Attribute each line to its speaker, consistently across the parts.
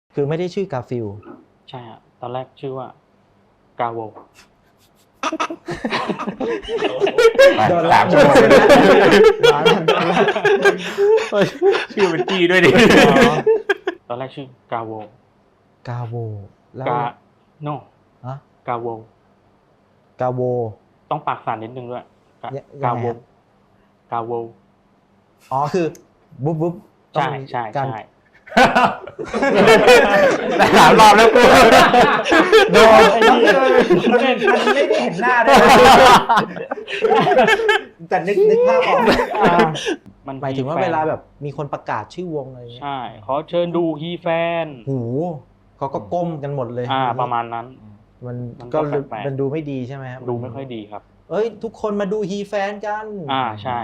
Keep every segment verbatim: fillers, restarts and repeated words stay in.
Speaker 1: คือไม่ได้ชื่อกาฟิล
Speaker 2: ใช่ฮะตอนแรกชื่อว่ากาโว
Speaker 3: โดนแล้วชื่อเป็นจีด้วยดิ
Speaker 2: ตอนแรกชื่อกาโว
Speaker 1: กาโวแล้ว
Speaker 2: กาโน
Speaker 1: ฮะ
Speaker 2: กาโว
Speaker 1: กาโว
Speaker 2: ต้องปากสั่นนิดนึงด้วยกาโวกาโว
Speaker 1: อ๋อคือบุ๊บบุ๊บ
Speaker 2: ใช่ใช่ใช่
Speaker 3: สามรอบแล้วกู
Speaker 1: โดนมันไม่ได้เห็นหน้าด้วยแต่นึกนึกภาพออกมันหมายถึงว่าเวลาแบบมีคนประกาศชื่อวงอะไรเงี้ย
Speaker 2: ใช่ขอเชิญดูฮีแฟน
Speaker 1: หูเขาก็ก้มกันหมดเลย
Speaker 2: อ่าประมาณนั้น
Speaker 1: มันก็มันดูไม่ดีใช่ไหมครับ
Speaker 2: ดูไม่ค่อยดีครับ
Speaker 1: เอ้ยทุกคนมาดูฮีแฟนกัน
Speaker 2: อ่าใช่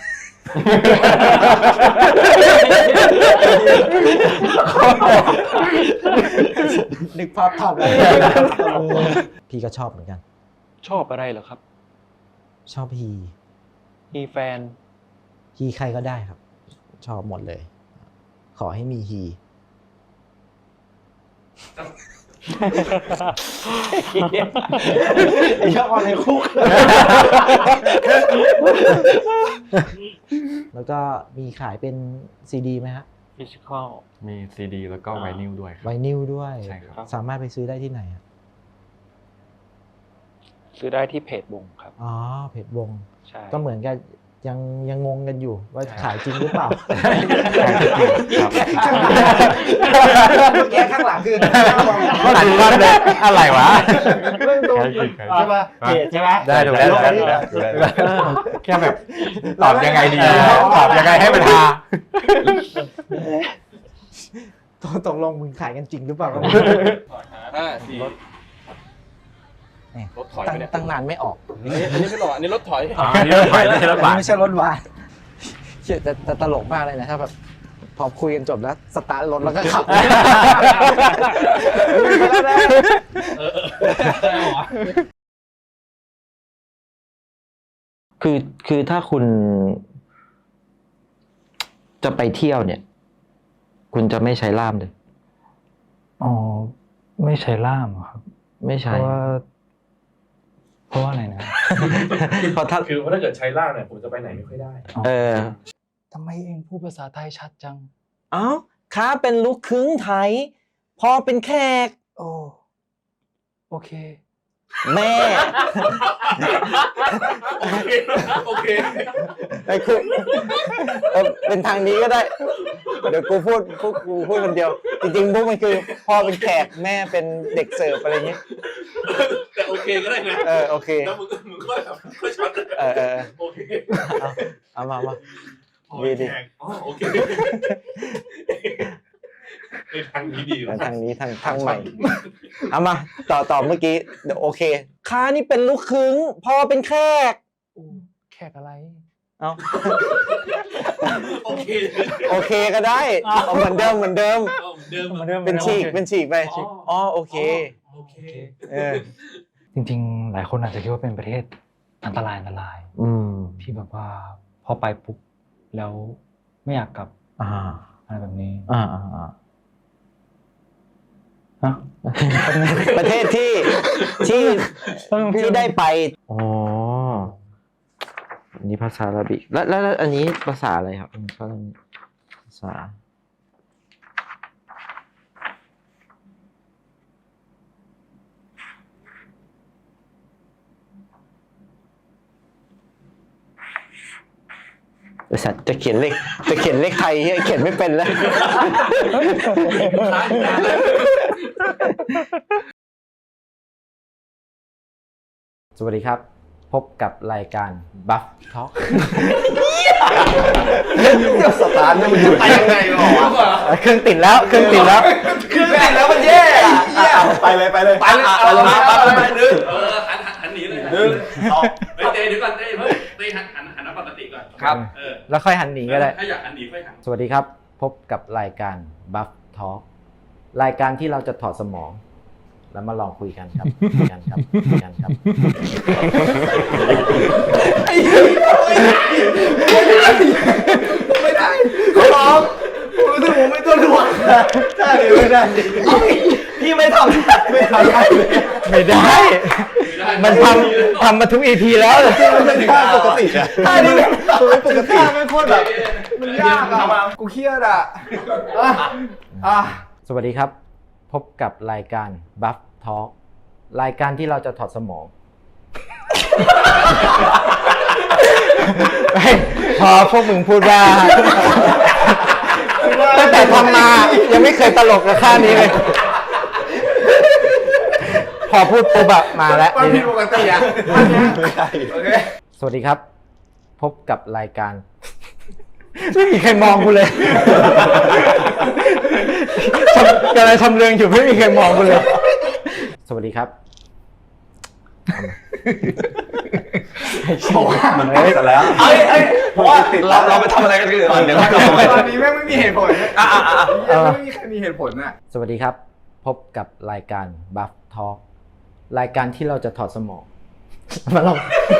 Speaker 1: นึกภาพทันเลยพี่ก็ชอบเหมือนกัน
Speaker 3: ชอบอะไรเหรอครับ
Speaker 1: ชอบฮี
Speaker 3: ฮีแฟน
Speaker 1: ฮีใครก็ได้ครับชอบหมดเลยขอให้มีฮีไอ้ชอบอะไรคุกแล้วก็มีขายเป็นซีดีไหมฮะ
Speaker 2: ฟิสิคอล
Speaker 3: มีซีดีแล้วก็ไวนิลด้วย
Speaker 1: ไวนิลด้วย
Speaker 3: ใช่ครับ
Speaker 1: สามารถไปซื้อได้ที่ไหนครับ
Speaker 3: ซื้อได้ที่เพจวงครับ
Speaker 1: อ๋อเพจวง
Speaker 3: ใช่
Speaker 1: ก็เหมือนกันยังยังงงกันอยู่ว่าขายจริงหรือเปล่าแกข้างหลังคือ
Speaker 3: หันมาเลยอะไรวะ
Speaker 1: ใช่ป่ะเพจใช่ไหม
Speaker 3: ได้ถูกแล้วแค่แบบตอบยังไงดีตอบยังไงให้มันฮา
Speaker 1: ตกลงมึงขายกันจริงหรือเปล่า
Speaker 4: ห้าสี่รถถอยไปเนี่ย
Speaker 1: ตั้งนานไม่ออก
Speaker 4: อันนี้ไม่หรอกอันนี้รถถอย
Speaker 3: อ๋ออันนี้รถถอยไม่ใช่รถบัส
Speaker 1: ไม่ใช่รถบัสเชี่ยแต่ตลกมากเลยนะถ้าแบบพอคุยกันจบแล้วสตาร์ทรถแล้วก็ขับคือคือถ้าคุณจะไปเที่ยวเนี่ยคุณจะไม่ใช้ล่ามเลย
Speaker 5: อ๋อไม่ใช้ล่ามครับ
Speaker 1: ไม่ใช้
Speaker 5: เพราะว่าเพราะว่าอะไรนะ
Speaker 4: เพราะถ้าคือถ้าเกิดใช้ล่ามเนี่ยผมจะไปไหนไม่ค่อยได้
Speaker 1: เออ
Speaker 5: ทำไมเองพูดภาษาไทยชัดจัง
Speaker 1: อ้าวข้าเป็นลูกครึ่งไทยพอเป็นแขก
Speaker 5: โอ้โอเค
Speaker 1: แม่
Speaker 4: โอเค
Speaker 1: ไอ้คือเป็นทางนี้ก็ได้เดี๋ยวกูพูดพูดกูพูดคนเดียวจริงๆพวกมันคือพ่อเป็นแขกแม่เป็นเด็กเสิร์ฟอะไรอย่างนี้
Speaker 4: แต่โอเคก็ได้นะ
Speaker 1: เออโอเค
Speaker 4: แล้วมึงมึงก็แบบก็ช็อต
Speaker 1: เออเออ
Speaker 4: โอเค
Speaker 1: เอามามาดีดี
Speaker 4: อ๋อโอเคทางนี้ดี
Speaker 1: ทางนี้ทางทางใหม่เอามาต่อต่อเมื่อกี้เดี๋ยวโอเคข้านี่เป็นลูกครึ่งพ่อเป็นแขก
Speaker 5: แขกอะไร
Speaker 1: เอา
Speaker 4: โอเค
Speaker 1: โอเคก็ได้เอาเหมือนเดิมเหมือนเดิมเป็นฉีกเป็นฉีกไปอ๋อโอเค
Speaker 4: โอเค
Speaker 1: เออ
Speaker 5: จริงๆหลายคนอาจจะคิดว่าเป็นประเทศอันตรายอันตราย
Speaker 1: อืม
Speaker 5: ที่แบบว่าพอไปปุ๊บแล้วไม่อยากกลับ
Speaker 1: อ่า
Speaker 5: อะไรแบบนี้
Speaker 1: อ่าอ่าอ่า
Speaker 5: ฮะ
Speaker 1: ประเทศที่ที่ที่ได้ไปอ๋ออันนี้ภาษาอาหรับิกแล้วแล้วอันนี้ภาษาอะไรครับภาษาบริษัทจะเขียนเลขจะเขียนเลขไทยเขียนไม่เป็นแล้วสวัสดีครับพบกับรายการ Buff Talk
Speaker 4: สตาร์ทมันอยู่ไปยังไงหรอ
Speaker 1: เครื่องติดแล้วเครื่องติดแล้ว
Speaker 4: เครื่องติดแล้วมันแย่ไปเลยไปเลย
Speaker 3: ไปเลย
Speaker 4: ไปเลยไปเลยดึง
Speaker 3: เออหันหันหนีเลย
Speaker 4: ดึง
Speaker 3: ไปเตะเดี๋ยวก่อนเตะเพิ่งเตะหันหันหันปกติก่อน
Speaker 1: ครับแล้วค่อยหันหนีก็ได้
Speaker 3: ถ้าอยากหันหนีค่อยหัน
Speaker 1: สวัสดีครับพบกับรายการ Buff Talk รายการที่เราจะถอดสมองแล้วมาลองคุยกันครับคุยกันครับคุยกันครับ
Speaker 4: ไม่ได้ขอร้องผมรู้สึกผมไม่ตัวถ่วงใช่เลย
Speaker 3: ไม่ได้
Speaker 1: พี่ไม่ทำไม่ทำได้ไม่ได้ มันทำทำมาทุกอีพีแล้วมันเป็นท่าปกติอะท่านี้มันปกติไม่โคตรแบบมันยากอะกูเครียดอะอ่ะสวัสดีครับพบกับรายการ Buff Talk รายการที่เราจะถอดสมองพอพวกมึงพูดว่าตั้งแต่ทำมายังไม่เคยตลกกับค่านี้เลยพอพูดปุ๊บอะมาแล้วมันผิดปกติอะสวัสดีครับพบกับรายการไม่มีใครมองกูเลยกำลังทำเรื่องอยู่ไม่มีใครมองกูเลยสวัสดีครับ
Speaker 3: มันติดซะแล้วเอ้ยเอ้ยเพราะว่าเราเราไปทำอะไรกันก่อนเดี๋ยวตอนนี้แม่งไม่มีเหตุผลอ่ะอ่ะอ่ะไม่มีใครมีเหตุผลอ่ะ
Speaker 1: สวัสดีครับพบกับรายการ Buff Talk รายการที่เราจะถอดสมองมาลอง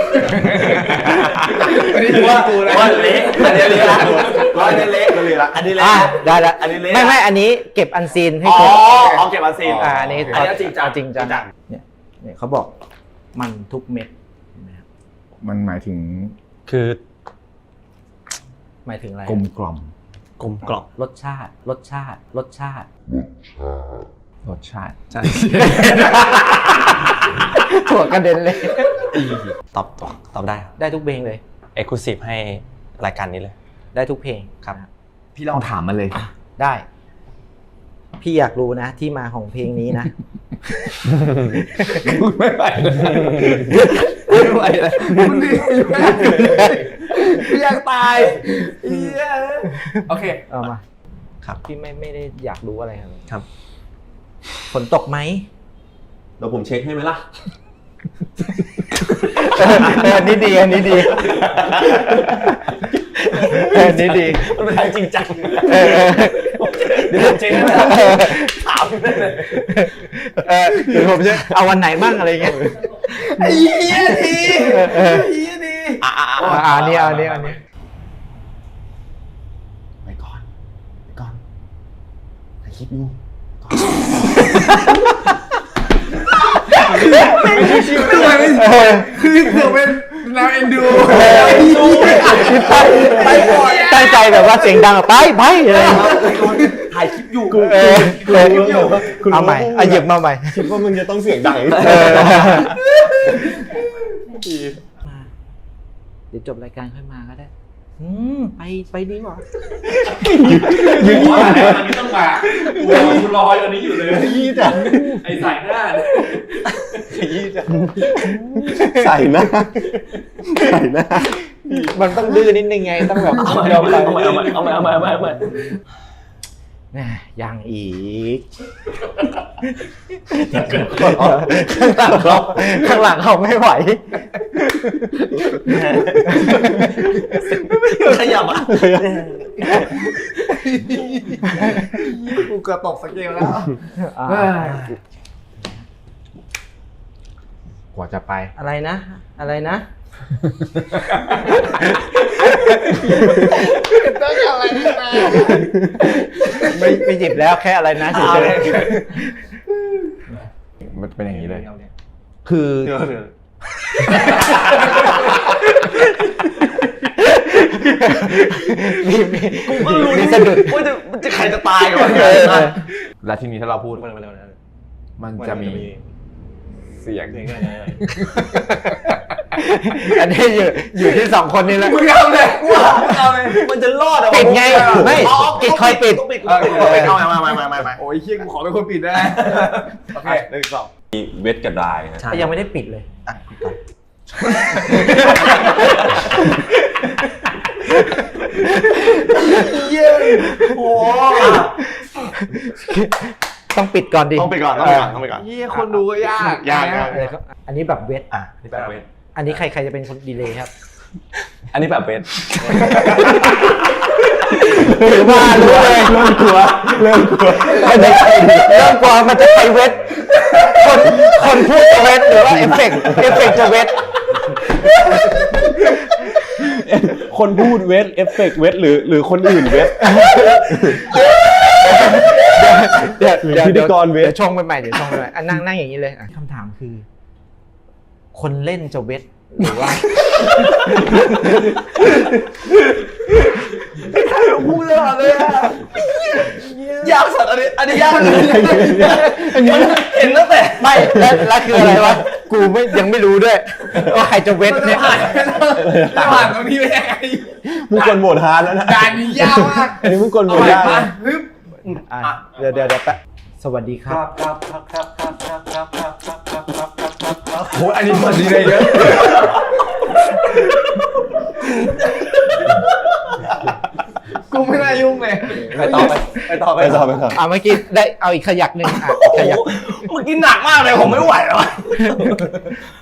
Speaker 3: ว่าว่าเละอันนี้เละละอันนี้เละเลยละอันนี้เละ
Speaker 1: ได้ละอันนี้เละไม่ไม่อันนี้เก็บอันซีนให้
Speaker 3: ครบอ๋อเก็บอันซีน
Speaker 1: อ่าอันนี้
Speaker 3: จริงจัง
Speaker 1: จริงจังเนี่ยเนี่ยเขาบอกมันทุกเม็ด
Speaker 3: มันหมายถึง
Speaker 5: คือ
Speaker 1: หมายถึงอะไร
Speaker 3: กลมกล่อม
Speaker 5: กลมกล่อม
Speaker 1: รสชาติรสชาติรสชาติ
Speaker 3: รสชาติใช่
Speaker 1: ถั่วกระเด็นเลย
Speaker 5: ตอบตอบได้ครับ
Speaker 1: ได้ทุกเพลงเลย
Speaker 5: Exclusive ให้รายการนี้เลย
Speaker 1: ได้ทุกเพลง
Speaker 5: ครับ
Speaker 3: พี่ลองถามมาเลย
Speaker 1: ได้พี่อยากรู้นะที่มาของเพลงนี้นะ
Speaker 3: ไม่ไหวไม่ไหวเลยมันดีพี่อยากตายโอเค
Speaker 1: เอามา
Speaker 5: ครับ
Speaker 1: พี่ไม่ไม่ได้อยากรู้อะไรครับ
Speaker 5: ครับ
Speaker 1: ฝนตกไหม
Speaker 3: เดี๋ยวผมเช็คให้ไหมล่ะ
Speaker 1: อันนี้ดีอันนี้ดีอันนี้ดี
Speaker 3: มันเป็นจริงจัง
Speaker 1: เดี๋ยวผมเช็คให้ถามเลยเดี๋ยวผมจะเอาวันไหนบ้างอะไรเงี้ย
Speaker 3: ไอ้เหี้ยดีไอ้เหี้ยดี
Speaker 1: อ่าอ่านี่เอานี่เอานี่
Speaker 3: ไปก่อนไปก่อนถ่ายคลิปอยู่ไม่ใช่ชิวเลยคือเธอเป็นแนวเอ็นดู
Speaker 1: ไปก่อนตั้งใจแบบว่าเสียงดังไปไปอะไร
Speaker 3: ถ่ายคลิปอยู่
Speaker 1: เออเอาใหม่เอาหยิบมาใหม่
Speaker 3: คิดว่ามึงจะต้องเสียงดัง
Speaker 1: เดี๋ยวจบรายการค่อยมาก็ได้อืมไปไปดีกว่า
Speaker 4: ยืนว่าอันนี้ต้องมากูรออันนี้อยู่เลย
Speaker 3: ยี่จ้ะ
Speaker 4: ไอ้ใส่หน้า
Speaker 3: ยี่จ้ะใส่หน้าใส่หน้า
Speaker 1: มันต้องดื้อนิดนึงไงต้องแบบ
Speaker 3: เอาไปเอาไปเอาไปเอาไปเอาไปเอาไป
Speaker 1: ยังอีกข้างหลังเขาข้างหลังเขาไม่ไหว
Speaker 3: ขยับอ่ะกูเกือบตกสเกลแล้วกว่าจะไป
Speaker 1: อะไรนะอะไรนะ
Speaker 3: ต้องอะไรนะ
Speaker 1: ไม่ไม่จิบแล้วแค่อะไรนะเฉย
Speaker 3: ๆมันเป็นอย่างนี้เลย
Speaker 1: คือมีมี
Speaker 3: กูรู้มีสะดุดว่าจะมันจะใครจะตายก่อนแล้วทีนี้ถ้าเราพูดมันจะมีเสียง
Speaker 1: อันนี้อยู่อยู่ที่สองคนนี่แหละ
Speaker 3: มึงเอาเลยว้าเอาเลยมันจะรอดอ่ะ
Speaker 1: ปิดไงไม่ปิดคอยปิด
Speaker 3: ปิดเอามามามามาโอ้ยเฮียกูขอเป็นคนปิดได้โอเคหนึ่งสองมีเวทกับไดร์
Speaker 1: ยังไม่ได้ปิดเลยอ่ะปิดก่อน
Speaker 3: เย้โอ้
Speaker 1: ต้องปิดก่อนดิ
Speaker 3: ต้องปิดก่อนต้องปิดก่อนต้องปิดก่อน
Speaker 1: ยี่คนดูก็ยาก
Speaker 3: ยาก
Speaker 1: อันนี้แบบเวท
Speaker 3: อ่ะนี่แบบเวท
Speaker 1: อันนี้ใครใครจะเป็นคนดีเลย์ครับ
Speaker 3: อันนี้แบบเวท
Speaker 1: ถือว่ารู้เลยเริ่มกลัวเริ่มกลัวไม่ใช่เริ่มกลัวมันจะไปเวทคนคนพูดจะเวทหรือว่าเอฟเฟกต์เอฟเฟกต์จะเวท
Speaker 3: คนพูดเวทเอฟเฟกต์เวทหรือหรือคนอื่นเวท
Speaker 1: เดี๋ยวเดี๋ยว
Speaker 3: พิธีกรเวท
Speaker 1: เดี๋ยวชงไปใหม่เดี๋ยวชงไปใหม่อ่ะนั่งนั่งอย่างนี้เลยอ่ะคำถามคือ คนเล่นจะเวทหรือว่า
Speaker 3: พูดเลยเลยอ่ะยากสัตว์อันนี้อันนี้ยากเลยมันเห็นตั้งแต่
Speaker 1: ไม่แล้วแล้วคืออะไรวะกูไม่ยังไม่รู้ด้วยว่าใครจะเวทเนี่ย
Speaker 3: ผ่านตรงนี้ไปยังไง
Speaker 6: มึงกดโหมดฮาร์ดแล้วนะ
Speaker 3: การนี้ยากมาก
Speaker 6: อันนี้มึงกดโหม
Speaker 3: เอา
Speaker 6: ด
Speaker 3: ใหม่
Speaker 6: ยาก
Speaker 3: มา
Speaker 6: นะ
Speaker 3: ฮึบ
Speaker 1: อ่ะเดี๋ยวเดี๋ยวเดี๋ยวแป๊บสวัสดีครับ
Speaker 4: ครับครับครับครับครับครับครับครับครับครับครับครับ
Speaker 3: โอ้อันนี้มันดีเลยเยอะกูไม่น่ายุ่งเลย
Speaker 6: ไปต่อไปไปต่อไปต่อไปต่อ
Speaker 1: อ่ะเมื่อกี้ได้เอาอีกขยักหนึ่งอ่ะขยัก
Speaker 3: เมื่อกี้หนักมากเลยผมไม่ไหวแล้ว